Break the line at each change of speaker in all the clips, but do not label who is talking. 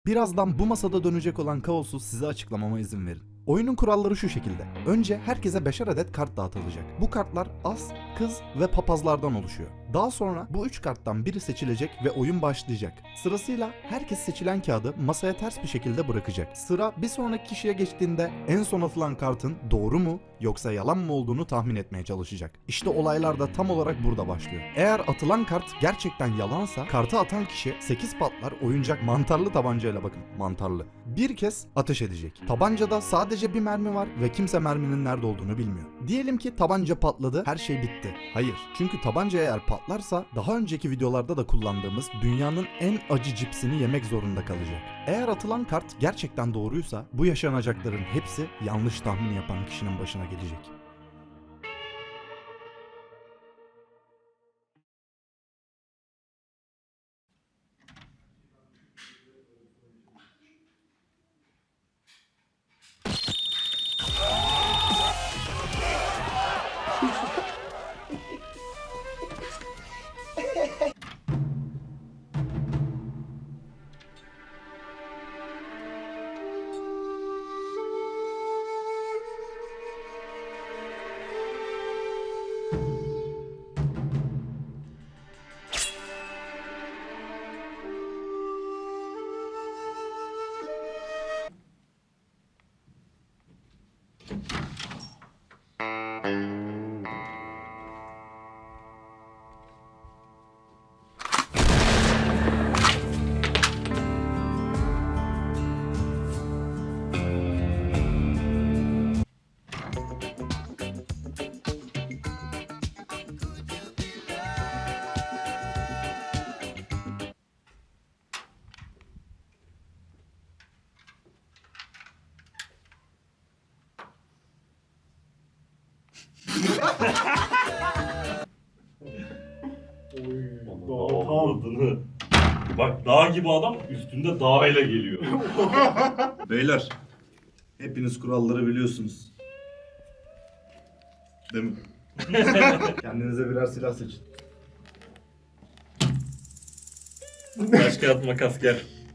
Birazdan bu masada dönecek olan kaosu size açıklamama izin verin. Oyunun kuralları şu şekilde. Önce herkese 5'er adet kart dağıtılacak. Bu kartlar as, kız ve papazlardan oluşuyor. Daha sonra bu 3 karttan biri seçilecek ve oyun başlayacak. Sırasıyla herkes seçilen kağıdı masaya ters bir şekilde bırakacak. Sıra bir sonraki kişiye geçtiğinde en son atılan kartın doğru mu yoksa yalan mı olduğunu tahmin etmeye çalışacak. İşte olaylar da tam olarak burada başlıyor. Eğer atılan kart gerçekten yalansa kartı atan kişi 8 patlar oyuncak mantarlı tabancayla, bakın mantarlı, bir kez ateş edecek. Tabancada sadece bir mermi var ve kimse merminin nerede olduğunu bilmiyor. Diyelim ki tabanca patladı, her şey bitti. Hayır. Çünkü tabanca eğer patlarsa daha önceki videolarda da kullandığımız dünyanın en acı cipsini yemek zorunda kalacak. Eğer atılan kart gerçekten doğruysa bu yaşanacakların hepsi yanlış tahmin yapan kişinin başına gelecek.
Adını. Bak dağ gibi adam üstünde dağ ile geliyor.
Beyler, hepiniz kuralları biliyorsunuz. Değil mi? Kendinize birer silah seçin.
Taş kağıt makas gel.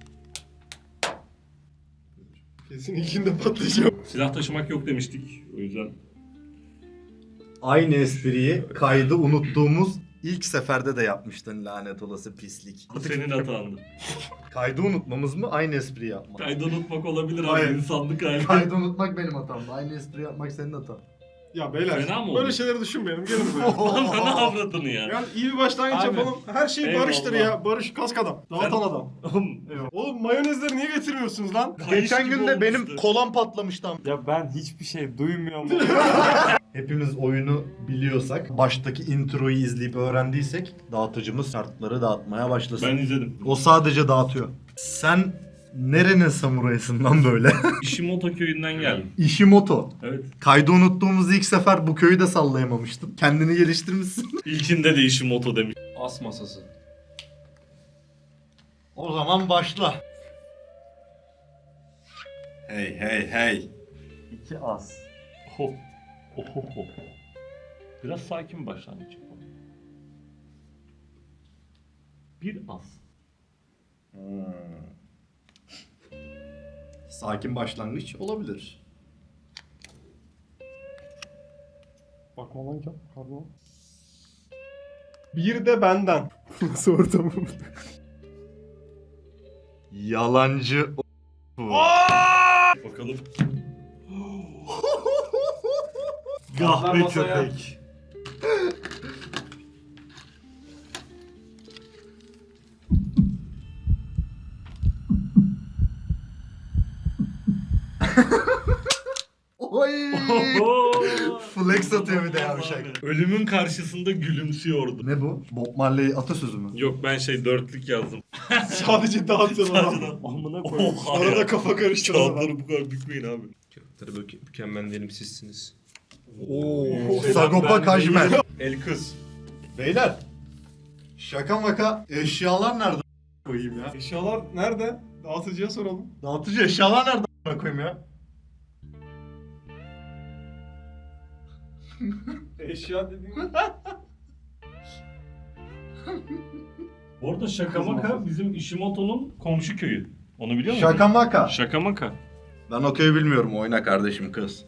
Kesin ikinde patlayacağım.
Silah taşımak yok demiştik. O yüzden
Aynı espriyi kaydı unuttuğumuz ilk seferde de yapmıştın, lanet olası pislik.
bu senin hatandı.
Kaydı unutmamız mı, aynı espriyi yapmak?
Kaydı unutmak olabilir abi,
Hayır.
insanlık hali.
Kaydı unutmak benim hatamdı. Aynı espri yapmak senin hatan.
Ya beyler,
Fena mı
böyle
oldu?
şeyleri düşünmeyelim. Gelin buraya.
Lan ne avradını ya?
Yani iyi bir başlangıç
Aynen.
yapalım. Her şey
Eyvallah.
barıştır ya. Barış, kask adam. Dağıtan adam. Oğlum mayonezleri niye getirmiyorsunuz lan?
Kayış
Geçen
gibi
gün de benim
olmuştu.
kolam patlamıştı.
Ya ben hiçbir şey duymuyorum.
Hepimiz oyunu biliyorsak, baştaki introyu izleyip öğrendiysek dağıtıcımız kartları dağıtmaya başlasın.
Ben izledim.
O sadece dağıtıyor. Sen nerenin samurayısın lan böyle?
Ishimoto köyünden geldim.
Ishimoto.
Evet.
Kaydı unuttuğumuz ilk sefer bu köyü de sallayamamıştın. Kendini geliştirmişsin.
İlkinde de Ishimoto demiş.
As masası.
O zaman başla. Hey hey hey.
2 as.
Oho. Oho. Biraz sakin başlangıç yapalım. Bir as.
Sakin başlangıç olabilir.
Bakma lan pardon. Bir de benden. Nasıl ortamım?
Yalancı
Bakalım. Gahpe
masaya.
köpek.
Oy! Flex atıyor bir de yavşak.
Ölümün karşısında gülümsüyordu.
Ne bu? Bob Marley atasözü mü?
Yok ben dörtlük yazdım.
Sadece dağıtın
Sadece
adam.
Amına koyayım.
Oha ya.
Arada kafa karıştırdı adam.
Kağıtları bu kadar bükmeyin abi.
Tabii mükemmel değilim sizsiniz.
Oo,
Ben
Sagopa Kajmer.
El kız.
Beyler, şaka maka eşyalar nerede koyayım ya?
Eşyalar nerede? Dağıtıcıya soralım.
Dağıtıcı eşyalar nerede koyayım ya?
Eşya dediğin...
Bu arada şaka maka bizim Ishimoto'nun komşu köyü. Onu biliyor musun?
Şaka maka.
Şaka maka.
Ben okey bilmiyorum. Oyna kardeşim kız.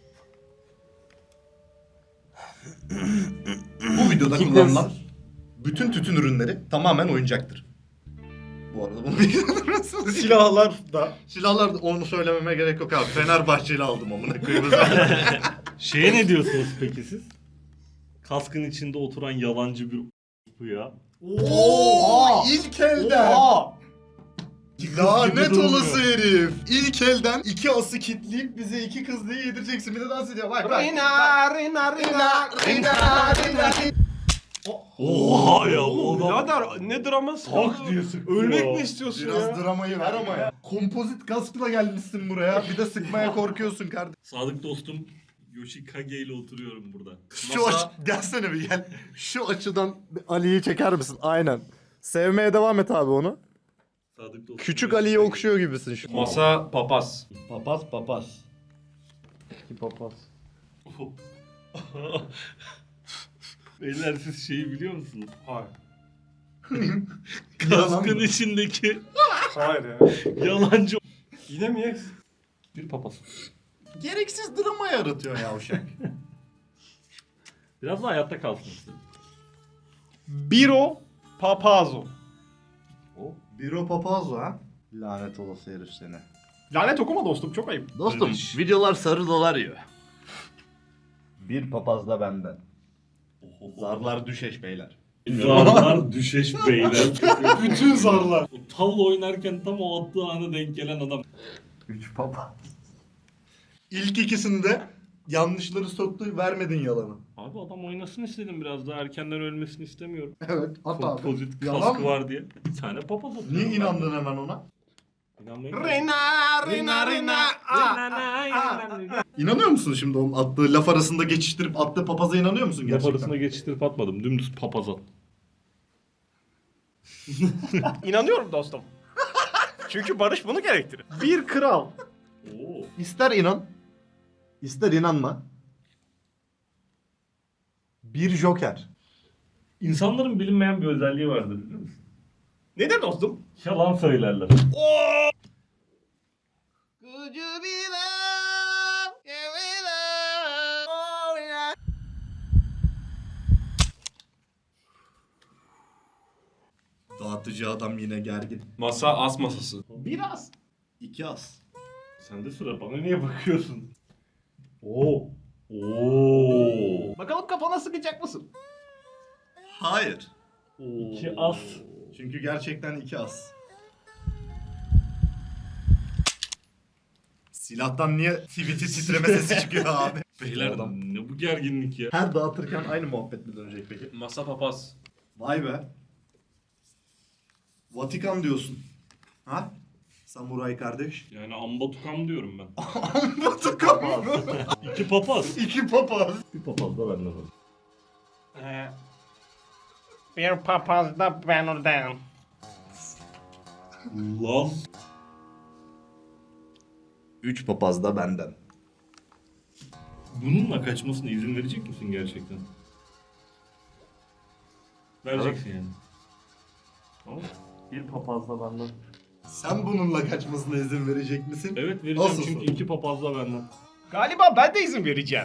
Bu videoda kullanılan bütün tütün ürünleri tamamen oyuncaktır. Bu arada bunu bilmiyorsunuz.
Silahlar da.
Silahlar da onu söylememe gerek yok abi. Fenerbahçeli aldım amına koyayım.
Şeye ne diyorsunuz peki siz? Kaskın içinde oturan yalancı bir bu ya.
Oo! İlk elden.
Oha!
Lanet
durmuyor.
olası herif. İlk elden 2 ası kitleyip bize 2 kız diye yedireceksin. Bir de dans ediyor. Bak bak.
Rina, Rina, Rina, Rina, Rina.
Oha ya o adam
Birader ne draması?
tak diye sıktı
Ölmek
ya.
mi istiyorsun
Biraz
ya?
dramayı ver ama ya. Kompozit kaskla gelmişsin buraya. Bir de sıkmaya korkuyorsun kardeşim.
Sadık dostum Yoshikage ile oturuyorum burada.
Şu gelsene bir gel. Şu açıdan Ali'yi çeker misin? Aynen. Sevmeye devam et abi onu.
Sadık dostum
Küçük Ali'yi okşuyor gibisin şu.
Masa papaz.
Papaz.
İki papaz.
Beyler siz şeyi biliyor musunuz?
Hayır.
Kaskın içindeki
Hayır ya.
yalancı
Yine mi yes?
bir papaz.
Gereksiz drama yaratıyor yavşak.
Biraz da hayatta kalsın istedim.
Biro Papazo.
Biro papaz ha. Lanet olası herif seni.
Lanet okuma dostum, çok ayıp.
Dostum videolar sarı dolar yiyor. Bir papaz da benden. Zarlar düşeş beyler.
Zarlar düşeş beyler.
Bütün zarlar.
O tavla oynarken tam o attığı ana denk gelen adam.
3 papaz. İlk ikisinde yanlışları soktu, vermedin yalanı.
Abi adam oynasın istedim biraz daha erkenden ölmesini istemiyorum.
Evet, at abi.
Kompozit
Yalan
kaskı
mı?
var diye. Bir tane papaz atıyorum.
Niye
ben.
inandın hemen ona?
İnanmayın.
Rina, Rina, Rina.
İnanıyor musun şimdi onun attığı laf arasında geçiştirip attığı papaza inanıyor musun
Laf
gerçekten?
arasına geçiştirip atmadım. Dümdüz papaz at.
İnanıyorum dostum. Çünkü barış bunu gerektirir. Bir kral.
Oo.
İster inan, ister inanma. Bir joker.
İnsanların bilinmeyen bir özelliği vardır biliyor musun?
Nedir dostum?
Yalan söylerler.
Dağıtıcı adam yine gergin.
Masa as masası.
Biraz.
2 as.
Sen de sıra bana niye bakıyorsun? Oo. Oo.
Bakalım kafana sıkacak mısın?
Hayır.
2 as.
Çünkü gerçekten 2 as. Silahtan niye tweet'i titreme sesi çıkıyor abi?
Beyler
Adam.
ne bu gerginlik ya?
Her dağıtırken aynı muhabbet mi dönecek peki?
Masa papaz.
Vay be. Vatikan diyorsun. Ha? Samuray kardeş.
Yani ambatukam diyorum ben.
Vatikan mı?
2 papaz.
2 papaz.
Bir papaz da benden var.
Bir papaz da ben oradan.
Lan.
3 papaz da benden.
Bununla kaçmasına izin verecek misin gerçekten? Vereceksin yani. Tamam. Bir papaz da benden.
Sen bununla kaçmasına izin verecek misin?
Evet vereceğim
Nasıl
çünkü
soru?
2 papaz da benden.
Galiba ben de izin vereceğim.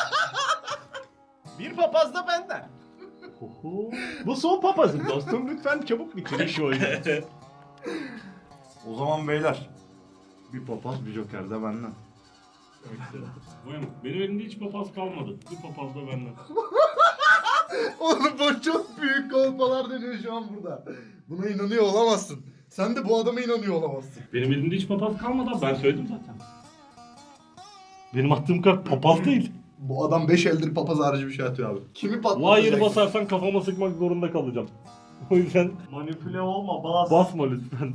Bir papaz da benden. Bu son papazım dostum. Lütfen çabuk bitirin şu oyunu.
O zaman beyler. Bir papaz bir joker de benden.
Buyurun. Benim elimde hiç papaz kalmadı. Bir papaz da benden.
Oğlum bu çok büyük kolpalar dönüyor şu an burada. Buna inanıyor olamazsın. Sen de bu adama inanıyor olamazsın.
Benim elimde hiç papaz kalmadı. Ben söyledim zaten. Benim attığım kart papaz değil.
Bu adam 5 eldir papaz harici bir şey atıyor abi. Kimi patlatacak?
Wire basarsan kafama sıkmak zorunda kalacağım. O yüzden
Manipüle olma bas.
basma lütfen.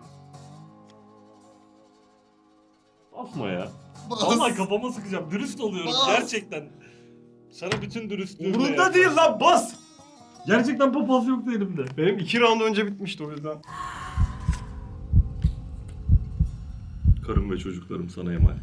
Basma ya.
Bas.
Vallahi kafama sıkacağım. Dürüst oluyorum
Bas.
gerçekten. Sana bütün dürüstlüğümle
Umurunda
yaparım.
değil lan bas.
Gerçekten papaz yoktu elimde.
Benim 2 round önce bitmişti o yüzden.
Karım ve çocuklarım sana emanet.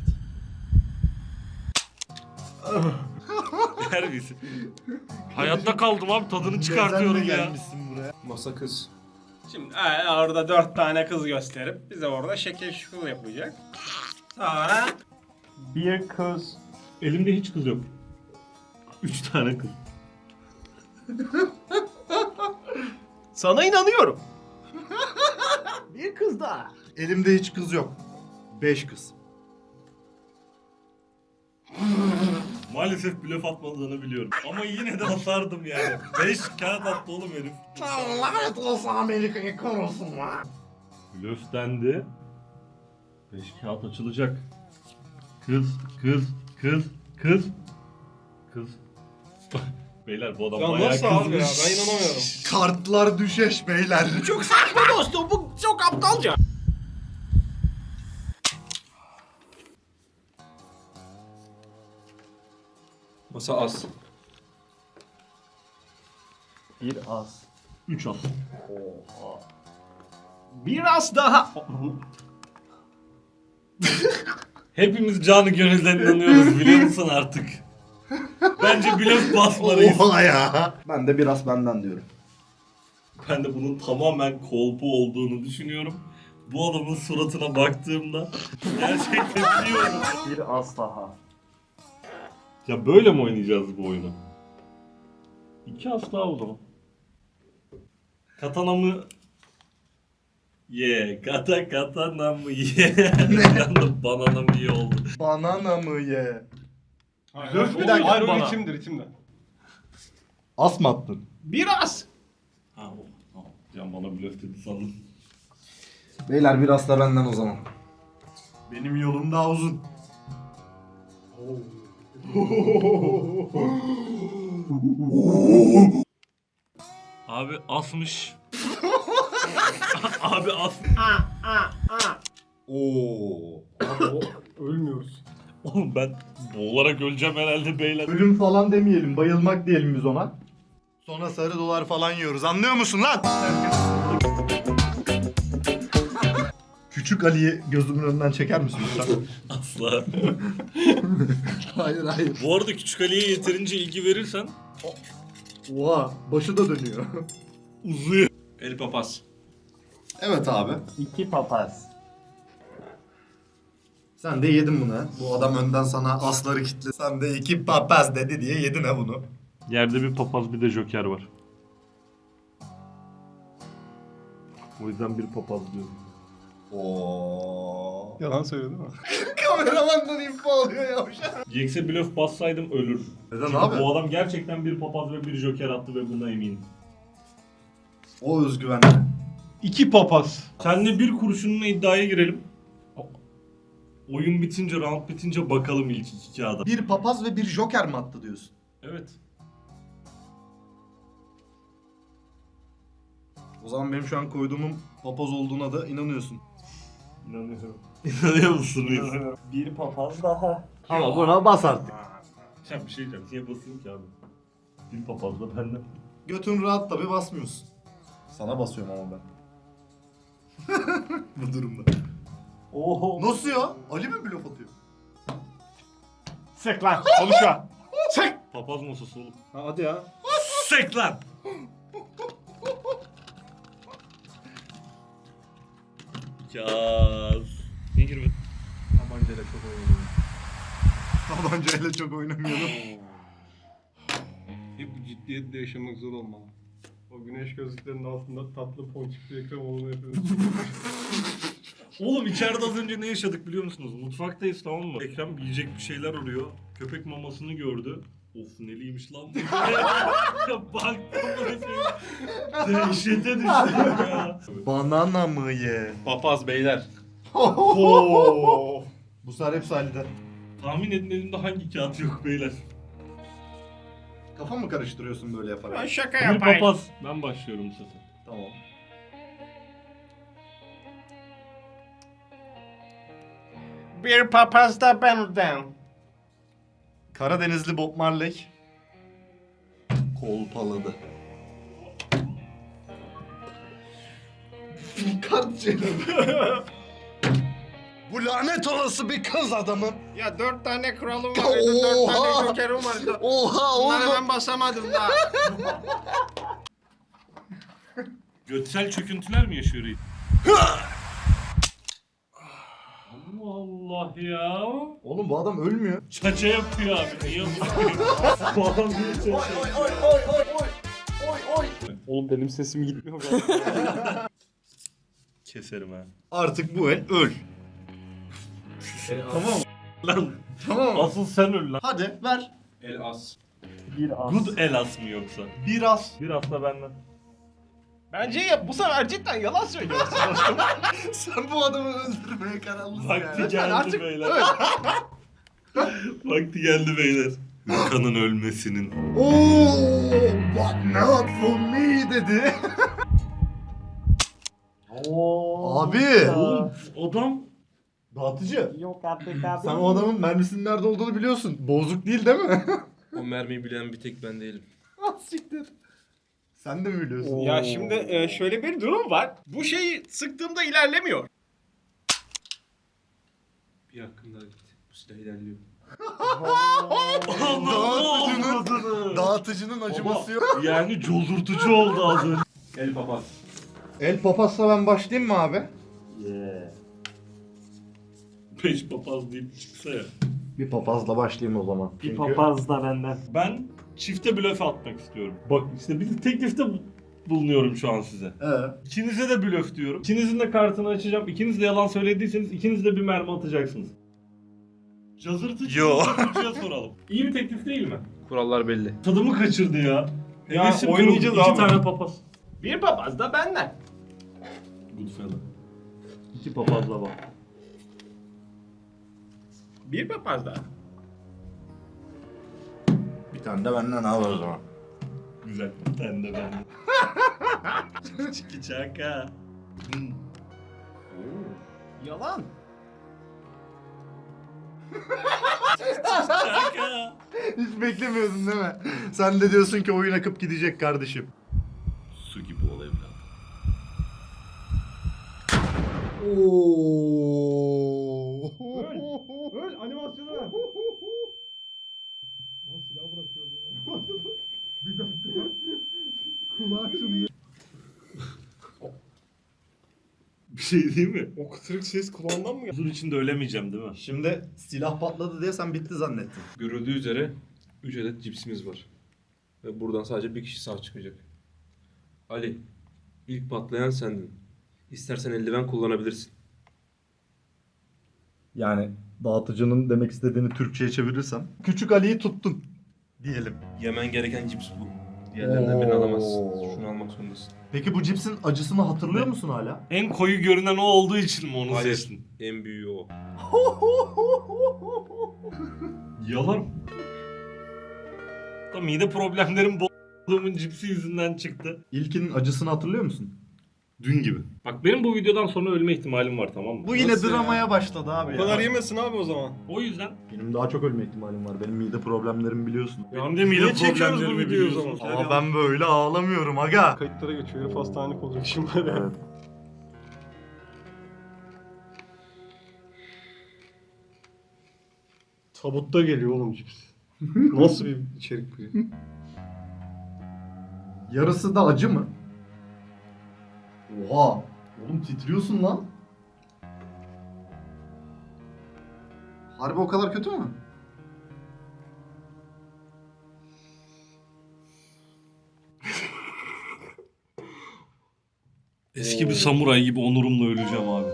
Terbiyesiz. Hayatta kaldım abi tadını çıkartıyorum
Gezenle
ya.
gelmişsin buraya.
Masa kız.
Şimdi orada 4 tane kız gösterip bize orada şekil şukul yapacak. Sonra
Bir kız.
Elimde hiç kız yok. 3 tane kız.
Sana inanıyorum. Bir kız daha.
Elimde hiç kız yok. 5 kız.
Maalesef blöf atmadığını biliyorum. Ama yine de asardım yani. 5 kağıt attı oğlum herif.
Lanet olsun Amerika'yı korusun lan.
Blöf dendi. 5 kağıt açılacak. Kız, kız, kız, kız. Kız. Beyler bu adam
Ya
bayağı
nasıl abi ya?
kızmış.
Ben inanamıyorum.
Kartlar düşeş beyler.
çok saçma dostum, bu çok aptalca.
Masa az.
Bir az.
3 at.
Biraz daha.
Hepimiz canı gönülden inanıyoruz biliyor musun artık? Bence blöf basmalıyız.
Oha ya. Ben de biraz benden diyorum.
Ben de bunun tamamen kolpu olduğunu düşünüyorum. Bu adamın suratına baktığımda gerçekten biliyorum.
Bir az daha.
Ya böyle mi oynayacağız bu oyunu? 2 as daha o zaman. Katana mı? Ye. Katana mı ye? Banana mı ye oldu?
Banana mı ye?
Blöf
bir dakika.
Hayır o
Bana.
ritimde.
As mı attın?
Biraz.
Ha o. Tamam. Can bana blöf dedi sandım.
Beyler biraz da benden o zaman. Benim yolum daha uzun.
Abi asmış. Abi as.
Oo.
Ölmüyoruz.
Oğlum ben boğularak öleceğim herhalde beyler.
Ölüm falan demeyelim, bayılmak diyelim biz ona. Sonra sarı dolar falan yiyoruz. Anlıyor musun lan? Küçük Ali'yi gözümün önünden çeker misin lütfen?
Asla.
hayır hayır.
Bu arada Küçük Ali'ye yeterince ilgi verirsen
Oha, başı da dönüyor.
uzuyor.
El papaz.
Evet abi.
2 papaz.
Sen de yedin bunu ha. Bu adam önden sana asları kitle. Sen de 2 papaz dedi diye yedin ha bunu.
Yerde bir papaz bir de joker var. O yüzden bir papaz diyorum.
Oo.
Yalan söylüyor değil mi?
Kameramandan info alıyor yavşak.
Jax'e blöf bassaydım ölür.
Neden
Çünkü
abi?
bu adam gerçekten bir papaz ve bir joker attı ve buna eminim.
O özgüvenli.
2 papaz.
Seninle bir kurşunla iddiaya girelim. Oyun bitince, round bitince bakalım ilk 2 kağıda.
Bir papaz ve bir joker mi attı diyorsun?
Evet.
O zaman benim şu an koyduğumun papaz olduğuna da inanıyorsun.
İnanıyorum. İnanıyor musun Reis?
Bir papaz daha.
Ama buna bas artık.
Ya bir şey diyeceğim. Niye basayım ki abi? Bir papaz da benden.
Götün rahat tabi basmıyorsun. Sana basıyorum ama ben. Bu durumda.
Oho.
Nasıl ya? Ali mi blöf atıyor?
Sek lan. Konuşma. Sek.
Papaz masası oğlum.
Hadi ya.
Sek lan! Kaz. Niye girmedin?
Tabancayla çok oynamıyorum. Tabancayla çok oynamıyorum.
Hep bu ciddiyetle yaşamak zor olmalı. O güneş gözlüklerinin altında tatlı ponçikli ekran olduğunu yapıyoruz.
Oğlum içeride az önce ne yaşadık biliyor musunuz? Mutfaktayız tamam mı? Ekrem yiyecek bir şeyler arıyor. Köpek mamasını gördü. Of neliymiş lan bu. Ya baktım böyle dehşete düştüm ya.
Banana mı ye?
Papaz beyler.
Bu sefer hepsi Ali'de.
Tahmin edin elimde hangi kağıt yok beyler.
Kafa mı karıştırıyorsun böyle yaparak?
Şaka
Bir
yapayım.
papaz. Ben başlıyorum bu sefer.
Tamam.
Bir papaz da benden.
Karadenizli Bob Marley kolpaladı. Kart Bu lanet olası bir kız adamım.
Ya 4 tane kralım var, 4 tane
Oha!
jokerim var.
Oha
Bunları
oğlum.
ben basamadım daha.
Götsel çöküntüler mi yaşıyor reis? Allah Allah ya.
Oğlum bu adam ölmüyor.
Çaça yapıyor abi. Niye yapıyor? Bu adam niye çaça yapıyor?
Oğlum benim sesim gitmiyor galiba.
Keserim ha.
Artık bu el öl.
Tamam. Lan
Tamam mı?
asıl sen öl lan.
Hadi ver.
El as.
Bir az.
Good el as mı yoksa?
Biraz.
Biraz da benden.
Bence ya bu sefer cidden yalan söylüyorsun dostum.
Sen bu adamı öldürmeye kararlısın
Vakti
yani.
geldi
artık
beyler. Vakti geldi beyler. Hırkanın ölmesinin.
Ooo, but not for me dedi. Abi.
Oğlum adam
Dağıtıcı.
Yok artık abi.
Sen o adamın mermisinin nerede olduğunu biliyorsun. Bozuk değil değil mi?
O mermiyi bilen bir tek ben değilim.
Ah siktir. Sen de mi biliyorsun?
Ya şimdi şöyle bir durum var. Bu şeyi sıktığımda ilerlemiyor.
Bir hakkım daha gitti. Bu silah ilerliyor.
Dağıtıcının acıması yok.
yani cozurtucu oldu az önce.
El papaz.
El papazla ben başlayayım mı abi?
Yeah.
5 papaz deyip çıksa ya.
Bir papazla başlayayım o zaman.
Bir papaz da benden.
Ben çifte blöf atmak istiyorum. Bak işte bir teklifte bulunuyorum şu an size. İkinize de blöf diyorum. İkinizin de kartını açacağım. İkiniz de yalan söylediyseniz ikiniz de bir mermi atacaksınız. Cazırtıcı
Yo.
cazırtıcıya soralım. İyi bir teklif değil mi?
Kurallar belli.
Tadımı kaçırdı ya.
Ya,
Hevesim
oynayacağız
kırıldı.
abi.
2 tane papaz.
Bir papaz da benden.
Goodfella.
2 papazla bak.
Bir papaz da.
Bir tane de benden al o zaman.
Güzel. Bir tane de ben. Çiki çaka.
Yalan.
Çaka.
Hiç beklemiyordun değil mi? Sen de diyorsun ki oyun akıp gidecek kardeşim.
Su gibi ol evladım.
Oo.
Öl animasyonu ver.
Bir şey değil mi?
O kıtırık ses kulağından mı geldi?
Huzur içinde ölemeyeceğim değil mi?
Şimdi silah patladı diye sen bitti zannettin.
Görüldüğü üzere 3 adet cipsimiz var. Ve buradan sadece bir kişi sağ çıkacak. Ali, ilk patlayan sendin. İstersen eldiven kullanabilirsin.
Yani dağıtıcının demek istediğini Türkçe'ye çevirirsem. Küçük Ali'yi tuttun diyelim.
Yemen gereken cips bu. Diğerlerinden birini alamazsın.
Oo.
Şunu almak zorundasın.
Peki bu cipsin acısını hatırlıyor musun hala?
En koyu görünen o olduğu için mi onu
Hayır.
seçtin?
En büyüğü o.
Yalan. Da mide problemlerim bu***luğumun cipsi yüzünden çıktı.
İlkinin acısını hatırlıyor musun?
Dün gibi. Bak benim bu videodan sonra ölme ihtimalim var, tamam mı?
Bu yine
Nasıl
dramaya başladı abi
O
ya.
kadar yemesin abi o zaman.
O yüzden
Benim daha çok ölme ihtimalim var. Benim mide problemlerim biliyorsun.
benim de mide
Niye çekiyoruz bu
problemlerimi
videoyu o
biliyorsunuz.
zaman?
Ama ben böyle ağlamıyorum aga.
Kayıtlara geçiyor. Herif hastanelik olacak şimdi.
Evet.
Tabutta geliyor oğlum cips. Nasıl bir içerik bu?
Yarısı da acı mı? Oha. Oğlum titriyorsun lan. Harbi o kadar kötü mü?
Eski bir samuray gibi onurumla öleceğim abi.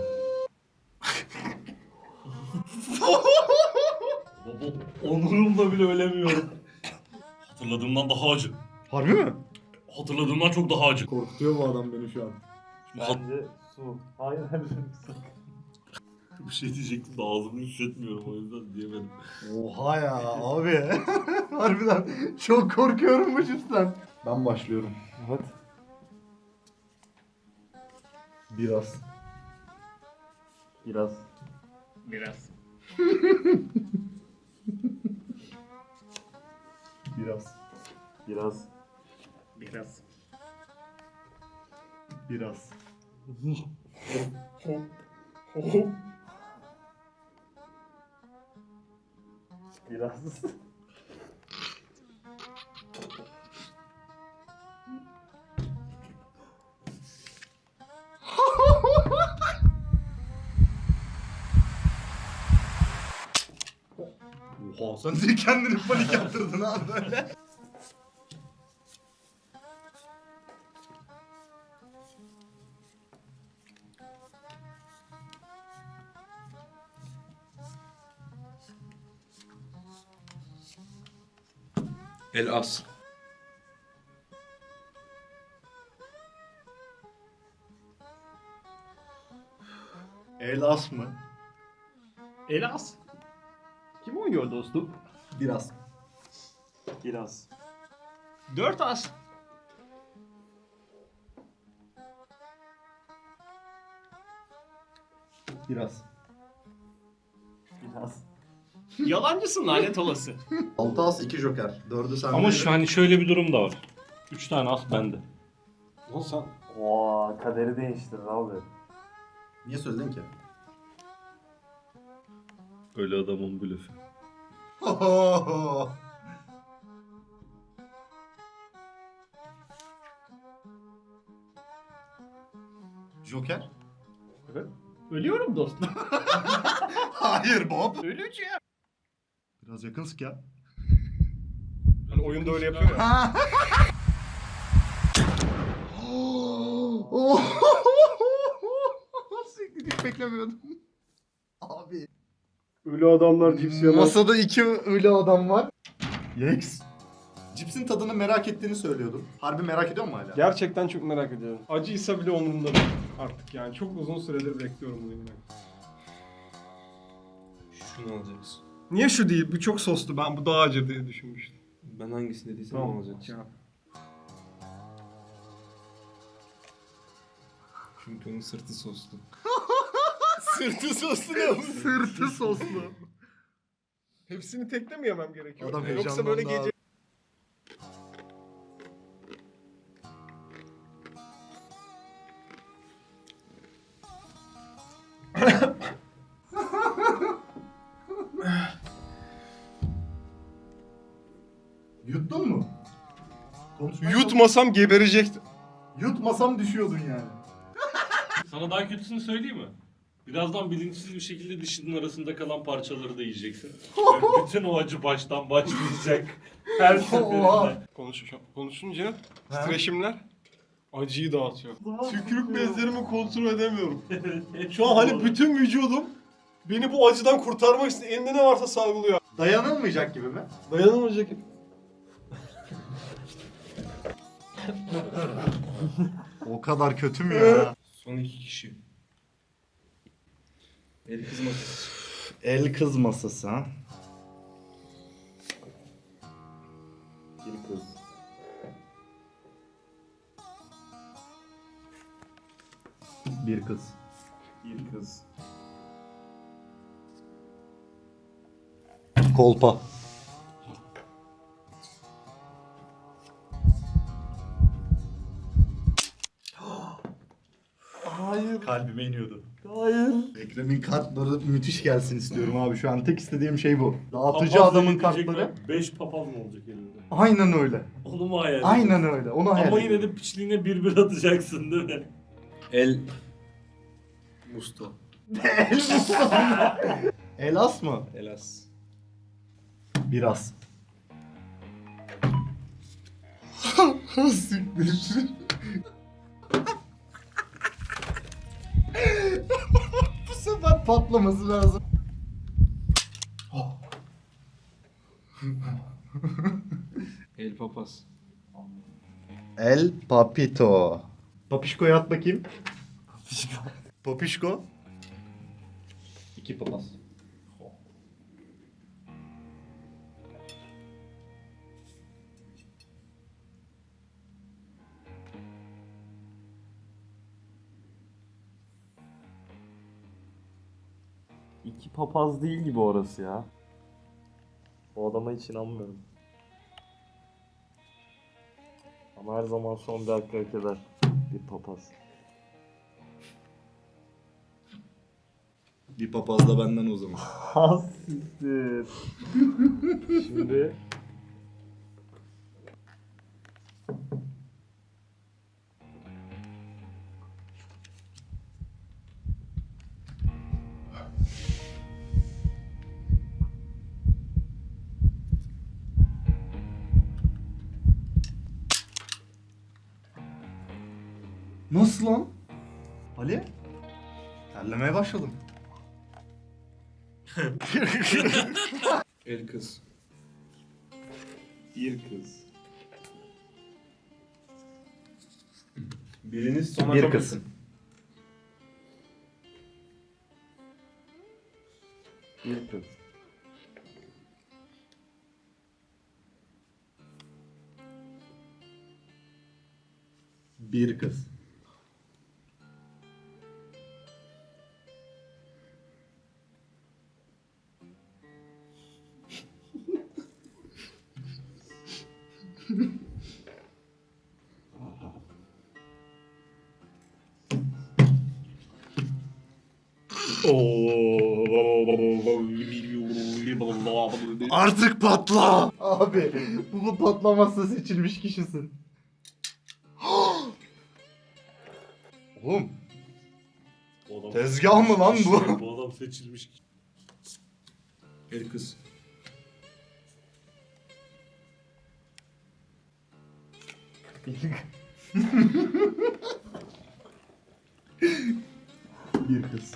Baba, onurumla bile ölemiyorum. Hatırladığımdan daha acı.
Harbi mi?
Hatırladığımdan çok daha acı.
Korkutuyor bu adam beni şu an.
Bence su. Hayır hayır su.
Bir şey diyecektim de ağzımı hissetmiyorum, o yüzden diyemedim.
Oha ya abi. Harbiden çok korkuyorum bu cipsten. Ben başlıyorum.
Hadi.
Biraz.
Biraz.
Biraz.
Biraz.
Biraz.
Biraz.
Biraz.
Biraz.
Oha sen de kendini panik yaptırdın abi böyle.
El as.
El as mı?
Elas. Kim oynuyor dostum?
Biraz.
Biraz. 4 as.
Biraz.
Biraz. Yalancısın lanet olası.
6 as 2 joker. 4'ü sen
Ama şu hani şöyle bir durum da var. 3 tane as bende.
Lan sen
Oo, kaderi değiştirdin abi.
Niye söyledin ki?
Öyle adamın blöfü.
Joker?
Ölüyorum dostum.
Hayır Bob.
Öleceğim.
Biraz yakın sık ya.
hani oyunda öyle yapıyor ya.
Siktir, hiç beklemiyordum. Abi.
Ölü adamlar cips yemez.
Masada 2 ölü adam var. Yex. Cipsin tadını merak ettiğini söylüyordun. Harbi merak ediyor musun hala?
Gerçekten çok merak ediyorum. Acıysa bile umurumda değil artık yani. Çok uzun süredir bekliyorum bunu yine.
Şunu alacaksın.
Niye şu değil? Bu çok soslu. Ben bu daha acı diye düşünmüştüm.
Ben hangisini dediysem onu alacaksın.
Ya.
Çünkü onun sırtı soslu.
Sırtı soslu ne?
Sırtı soslu.
Hepsini tekle mi yemem gerekiyor?
Adam
Yoksa böyle
heyecanlandı
gece...
Yuttun mu?
Yutmasam geberecektim.
Yutmasam düşüyordun yani.
Sana daha kötüsünü söyleyeyim mi? Birazdan bilinçsiz bir şekilde dişinin arasında kalan parçaları da yiyeceksin. Ve bütün o acı baştan başlayacak. Her seferinde.
Konuşunca titreşimler acıyı dağıtıyor. Tükürük bezlerimi kontrol edemiyorum. Şu an hani bütün vücudum beni bu acıdan kurtarmak için elinde ne varsa salgılıyor.
Dayanılmayacak gibi mi?
Dayanılmayacak.
O kadar kötü mü ya?
Son 2 kişi. El kızmasın.
El kız masası ha.
Bir kız.
Bir kız.
Bir kız.
Kolpa.
Hayır.
Kalbime iniyordu.
Hayır.
Ekrem'in kartları müthiş gelsin istiyorum abi. Şu an tek istediğim şey bu. Dağıtıcı
Papaz
adamın
yiyecek
kartları.
mi? 5 papaz mı olacak elinde?
Aynen öyle.
Onu mu hayal
Aynen öyle. Onu hayal
Ama yine
ediyorum.
de piçliğine bir atacaksın değil mi?
El Musto.
Elas mı?
Elas.
Biraz. Siktir. Bu sefer patlaması lazım.
El papaz.
El Papito. Papişko'ya at bakayım. Papişko. 2 papaz.
İki papaz değil gibi orası ya. O adama hiç inanmıyorum. Ama her zaman son bir hakkı hak eder. Bir papaz.
Bir papaz da benden o zaman.
Hassiktir. Şimdi
Nasıl lan? Ali? Terlemeye başladım.
El kız.
Bir kız. Biriniz sona
Bir
çok
kız.
yakın.
Bir kız.
Bir kız. Artık patla. Abi bu patlamazsa seçilmiş kişisin. Oğlum
Bu adam
tezgah mı lan bu?
Bu adam seçilmiş.
El kız.
Bir kız.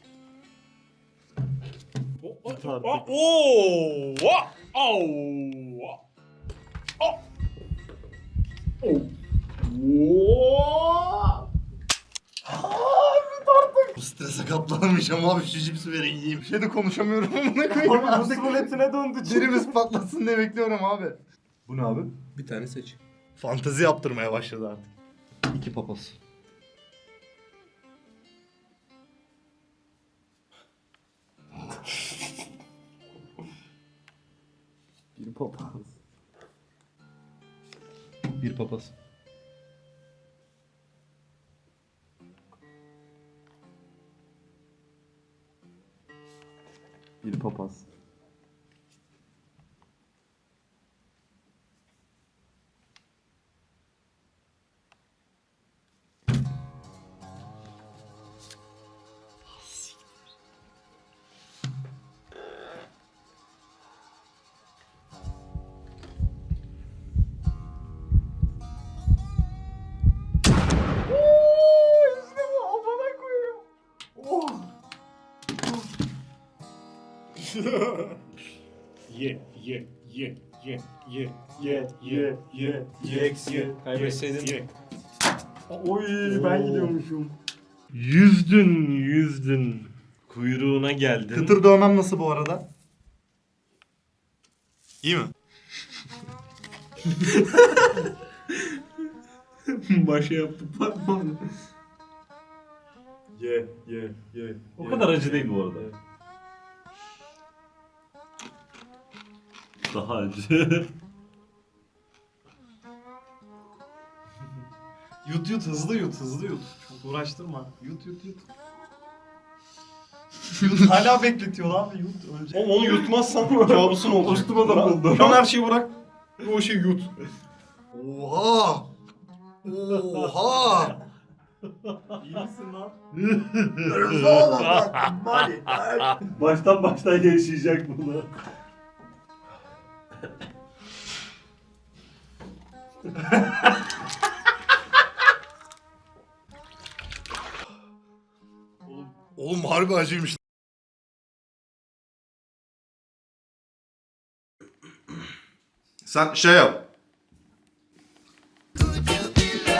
Bu strese katlanamayacağım abi, şu cipsi verin yiyeyim. Bir şey de konuşamıyorum amına koyayım.
Abi Rus ruletine döndü.
Derimiz patlasın diye bekliyorum abi. Bu ne abi?
Bir tane seç.
Fantezi yaptırmaya başladı artık. İki papaz.
Bir papaz.
Bir papaz.
Bir papaz.
Ye ye ye ye ye
Ye ye ye ye.
Kaybetseydin.
ye.
Oy ben gidiyormuşum.
Yüzdün. Kuyruğuna geldin.
Kıtır dövmem nasıl bu arada? İyi mi?
Başa yaptı patladı.
Ye ye ye.
O kadar acı değil bu arada. Daha acı.
Yut yut hızlı yut hızlı yut. Çok uğraştırma. Yut yut yut. Hala bekletiyor abi yut önce. Oğlum onu yutmazsan kabusun olacak.
Üstüme de buldu.
Şu an her şeyi bırak. O şeyi yut.
Oha! Oha!
İyi misin lan?
Baştan yaşayacak bunu.
Oğlum harbi acıymış. Sen şey yap.